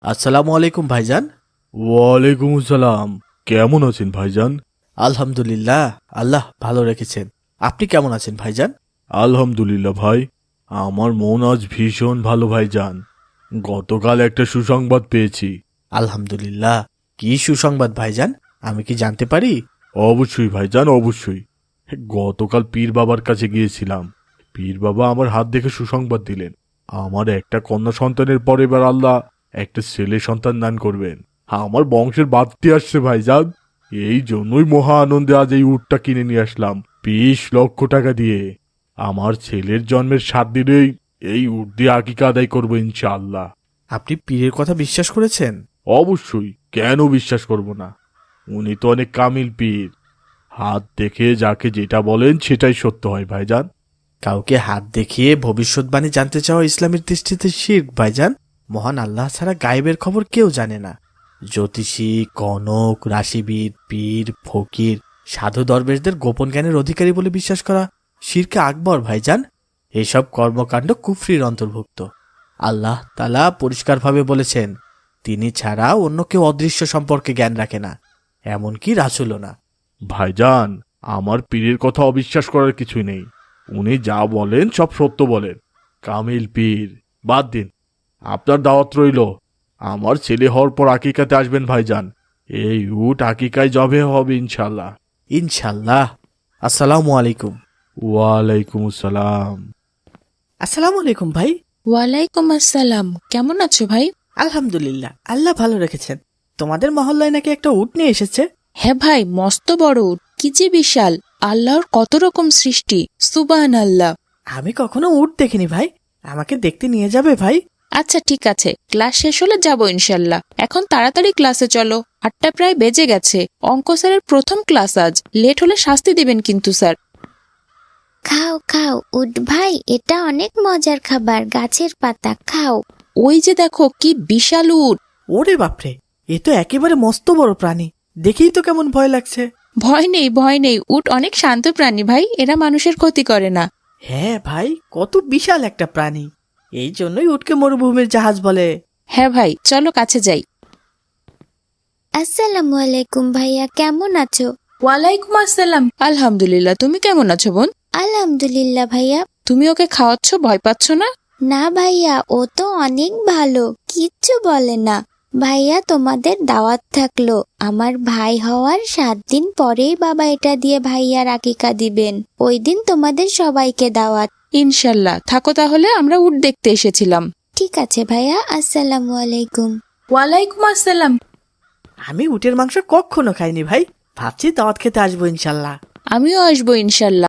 আসসালামু আলাইকুম ভাইজান। ওয়ালাইকুম আসসালাম। কেমন আছেন ভাইজান? আলহামদুলিল্লাহ, আল্লাহ ভালো রেখেছেন। আপনি কেমন আছেন ভাইজান? আলহামদুলিল্লাহ ভাই, আমার মন আজ ভীষণ ভালো ভাইজান। গতকাল একটা সুসংবাদ পেয়েছি। আলহামদুলিল্লাহ। কি সুসংবাদ ভাইজান, আমি কি জানতে পারি? অবশ্যই ভাইজান, অবশ্যই। গতকাল পীর বাবার কাছে গিয়েছিলাম। পীর বাবা আমার হাত দেখে সুসংবাদ দিলেন। আমার একটা কন্যা সন্তানের পর এবার আল্লাহ একটা ছেলে সন্তান দান করবেন। আমার বংশের বাড়তি আসছে ভাইজান। এই জন্যই মহা আনন্দে আজ এই উটটা কিনে নিয়ে আসলাম 20 লক্ষ টাকা দিয়ে। আমার ছেলের জন্মের 7 দিনেই এই উট দিয়ে আকিকা আদায় করবো ইনশাআল্লাহ। আপনি পীরের কথা বিশ্বাস করেছেন? অবশ্যই, কেন বিশ্বাস করব না? উনি তো অনেক কামিল পীর। হাত দেখে যাকে যেটা বলেন সেটাই সত্য হয় ভাইজান। কাউকে হাত দেখিয়ে ভবিষ্যৎবাণী জানতে চাওয়া ইসলামের দৃষ্টিতে শিরক ভাইজান। মহান আল্লাহ ছাড়া গায়েবের খবর কেউ জানে না। জ্যোতিষী, কনক, রাশিবিদ, পীর, ফকির, সাধু দরবেশদের গোপন জ্ঞানের অধিকারী বলে বিশ্বাস করা শিরকে আকবর ভাইজান। এসব কর্মকাণ্ড কুফরির অন্তর্ভুক্ত। আল্লাহ তাআলা পরিষ্কারভাবে বলেছেন, তিনি ছাড়া অন্য কেউ অদৃশ্য সম্পর্কে জ্ঞান রাখে না, এমনকি রাসূলও না। ভাইজান, আমার পীরের কথা অবিশ্বাস করার কিছুই নেই। উনি যা বলেন সব সত্য বলেন। কামিল পীর। বাদ দিন, আপনার দাওয়াত রইল। আমার ছেলে হওয়ার পর আকিকাতে আসবেন ভাইজান। এই উট আকিকায় জবে হবে ইনশাল্লাহ। ইনশাল্লাহ। আসসালামু আলাইকুম। ওয়ালাইকুম আসসালাম। আসসালামু আলাইকুম ভাই। ওয়ালাইকুম আসসালাম। কেমন আছো ভাই? আলহামদুলিল্লাহ, আল্লাহ ভালো রেখেছেন। তোমাদের মহল্লায় নাকি একটা উট নিয়ে এসেছে? হ্যাঁ ভাই, মস্ত বড় উট, কি যে বিশাল! আল্লাহর কত রকম সৃষ্টি, সুবহান আল্লাহ। আমি কখনো উট দেখিনি ভাই, আমাকে দেখতে নিয়ে যাবে ভাই? আচ্ছা ঠিক আছে, ক্লাস শেষ হলে যাবো ইনশাল্লাহ। এখন তাড়াতাড়ি ক্লাসে চলো, 8টা প্রায় বেজে গেছে। অঙ্ক স্যারের প্রথম ক্লাস আজ, লেট হলে শাস্তি দিবেন কিন্তু স্যার। খাও খাও উট ভাই, এটা অনেক মজার খাবার, গাছের পাতা খাও। ওই যে দেখো কি বিশাল উট! ওরে বাপরে, এ তো একেবারে মস্ত বড় প্রাণী, দেখেই তো কেমন ভয় লাগছে। ভয় নেই ভয় নেই, উট অনেক শান্ত প্রাণী ভাই, এরা মানুষের ক্ষতি করে না। হ্যাঁ ভাই, কত বিশাল একটা প্রাণী, এই জন্যই উটকে মরুভূমির জাহাজ বলে। হ্যাঁ ভাই, চলো কাছে যাই। আসসালামু আলাইকুম ভাইয়া, কেমন আছো? ওয়ালাইকুম আসসালাম। আলহামদুলিল্লাহ, তুমি কেমন আছো বোন? আলহামদুলিল্লাহ ভাইয়া। তুমি ওকে খাওয়াচ্ছ, ভয় পাচ্ছ না? না ভাইয়া, ও তো অনেক ভালো, কিচ্ছু বলে না। ভাইয়া তোমাদের দাওয়াত থাকলো, আমার ভাই হওয়ার 7 দিন পরেই বাবা এটা দিয়ে ভাইয়ার আকিকা দিবেন। ওই দিন তোমাদের সবাইকে দাওয়াত। ইনশাল্লাহ, থাকো তাহলে, আমরা উট দেখতে এসেছিলাম। ঠিক আছে ভাইয়া, আসসালামু আলাইকুম। ওয়ালাইকুম আসসালাম। আমি উটের মাংস কখনো খাইনি ভাই, ভাবছি দাওয়াত খেতে আসবো ইনশাল্লাহ। আমিও আসবো ইনশাল্লাহ।